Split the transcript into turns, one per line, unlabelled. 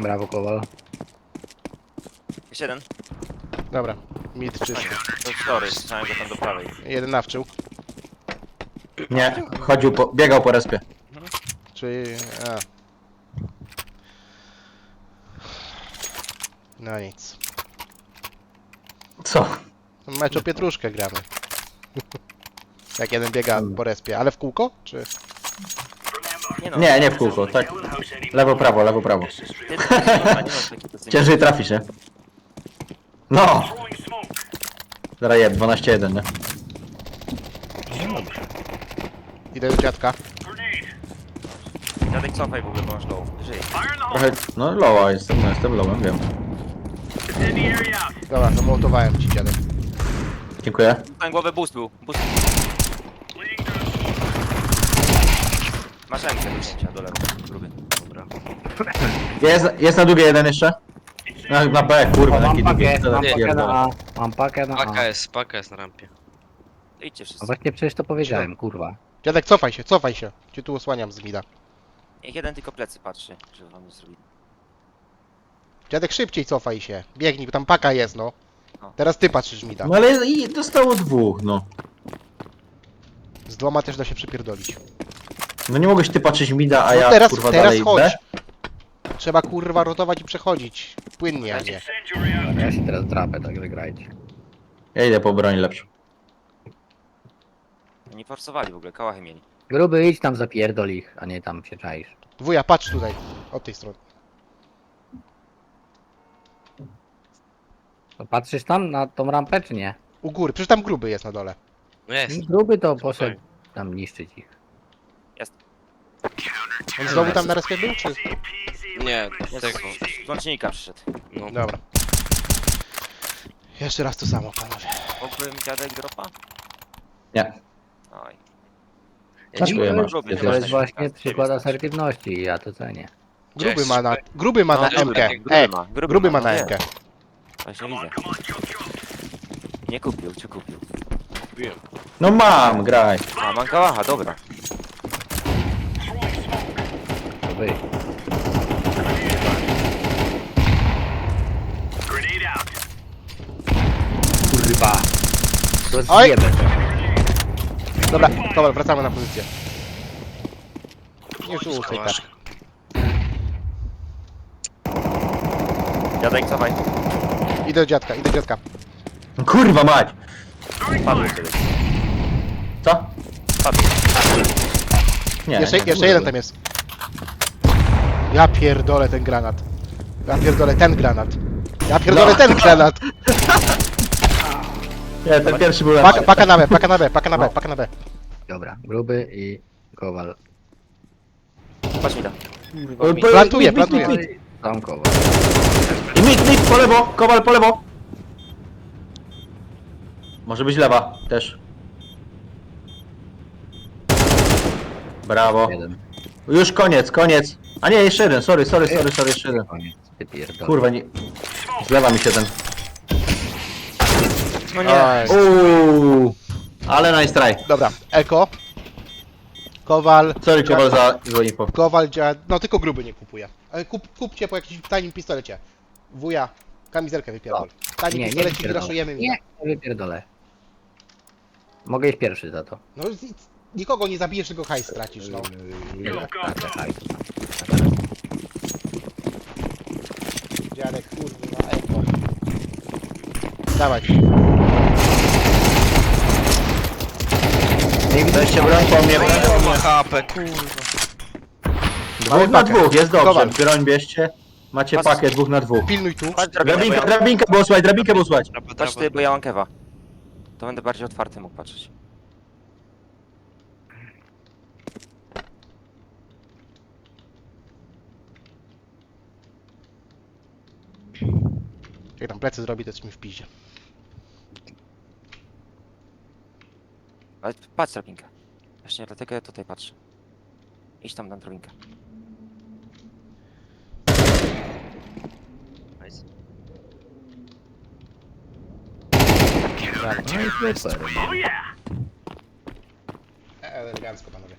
Brawo, Kowal.
Jeszcze jeden.
Dobra, mid czysty.
To story, słyszałem go tam do prawej.
Jeden nawczył.
Nie, biegał po respie.
Czyli... A. No nic.
Co?
Mecz o pietruszkę gramy. Jak jeden biega po respie, ale w kółko? Czy...
No.
Nie w kółko, tak. Lewo, prawo, lewo, prawo.
Ty, kurwa, nie masz takiej pozycji.
Ciężej trafisz, nie? No! Zaraz jeb, 12-1, nie?
Idę do dziadka.
Dziadek cofaj w ogóle, bo masz low. Żyj.
Trochę, no lowa jestem, no jestem lowem, wiem.
Dobra, zamołtowałem ci dziadek.
Dziękuję.
Tam głowę boost był. Boost. Masz rękę do wzięcia do lewej. Gruby. Dobra.
Jest na długie jeden jeszcze? Na B, kurwa,
Mam
jaki długi.
pakę, mam pakę
Pierdolę.
na A. Mam pakę na A.
Paka jest na rampie.
Idźcie
No
wszyscy.
właśnie przecież to powiedziałem, kurwa.
Dziadek, cofaj się, cofaj się. Cię tu osłaniam z mida.
Niech jeden tylko plecy patrzy, żeby wam nie zrobili.
Dziadek, szybciej cofaj się. Biegnij, bo tam paka jest, no. Teraz ty patrzysz mida.
No ale i dostało dwóch, no.
Z dwoma też da się przypierdolić.
No nie mogłeś ty patrzeć mida, a
No
ja
teraz,
kurwa
teraz
dalej
chodź.
B?
Trzeba kurwa rotować i przechodzić. Płynnie, a nie.
Ja się teraz drapę, także grajcie.
Ja idę po broń lepszą.
Oni forsowali w ogóle, kałachy mieli.
Gruby, idź tam, zapierdol ich, a nie tam się czaisz.
Wuja, patrz tutaj. Od tej strony.
To patrzysz tam na tą rampę, czy nie?
U góry, przecież tam gruby jest na dole.
No jest.
Gruby to poszedł tam niszczyć ich.
On znowu tam na respie był, czy?
Nie,
Jest
tego.
z łącznika przyszedł.
No.
Dobra. Jeszcze raz to samo, panowie.
Mógłbym dziadek dropa?
Nie.
Oj.
Dziękuję, masz.
Gruby,
To jest właśnie przykład asertywności i ja to cenię.
Gruby ma na... Gruby ma na
No,
MK.
gruby
Ma na
nie.
MK.
Właśnie widzę. Nie kupił, czy kupił?
No mam, graj.
A, mam kałacha, dobra.
Gruby. Kurwa. To
Oj!
zjebę to.
Dobra, dobra, wracamy na pozycję. Nie rzucaj tak.
Dziadek, cofaj.
Idę do dziadka, idę do dziadka.
Kurwa mać!
Padł kiedyś.
Co?
Padł.
Nie.
Jeszcze jeden tam jest. Ja pierdolę ten granat. Ja pierdolę ten granat. Ja pierdolę ten granat.
Nie, ten pierwszy był lepszy.
Paka na B, paka na B, paka na B, paka na B.
Dobra, gruby i Kowal.
Patrz mi tam.
Plantuje, plantuje.
Tam Kowal.
I mit, po lewo, Kowal po lewo. Może być lewa też. Brawo.
Jeden.
Już koniec, koniec. A nie, jeszcze jeden, sorry, jeszcze jeden.
Koniec. Ty pierdol.
Kurwa, nie. Zlewa mi się ten.
No nie.
Uuu. Ale nice try.
Dobra, Eko. Kowal.
Sorry, Kowal, za złe info.
Kowal działa. No tylko gruby nie kupuje. Ale kupcie po jakimś tanim pistolecie. Wuja, kamizelkę wypierdol. Tani
Nie, nie
pistolecik
wypierdolę.
raszujemy
Nie, nie wypierdolę. Mogę iść pierwszy za to.
No nikogo nie zabijesz, tylko hajs stracisz, no. Dziadek, kurwa, Eko. Dawaj.
Weźcie broń po mnie.
Ma HP, kurwa.
Dwóch na dwóch, jest dobrze.
Kowal.
Broń bierzcie. Macie
Pas-
pakę, dwóch na dwóch.
Pilnuj tu.
Patrz drabinkę, bo ja...
Drabinkę było słuchać.
Patrz ty, bo ja mam kewa. To będę bardziej otwarty mógł patrzeć.
Jak tam plecy zrobi, to jest mi w piździe.
Ale patrz drabinkę. Właśnie dlatego ja tutaj patrzę. Idź tam na drabinkę.
Nice.
No i super.
Elegancko, panowie.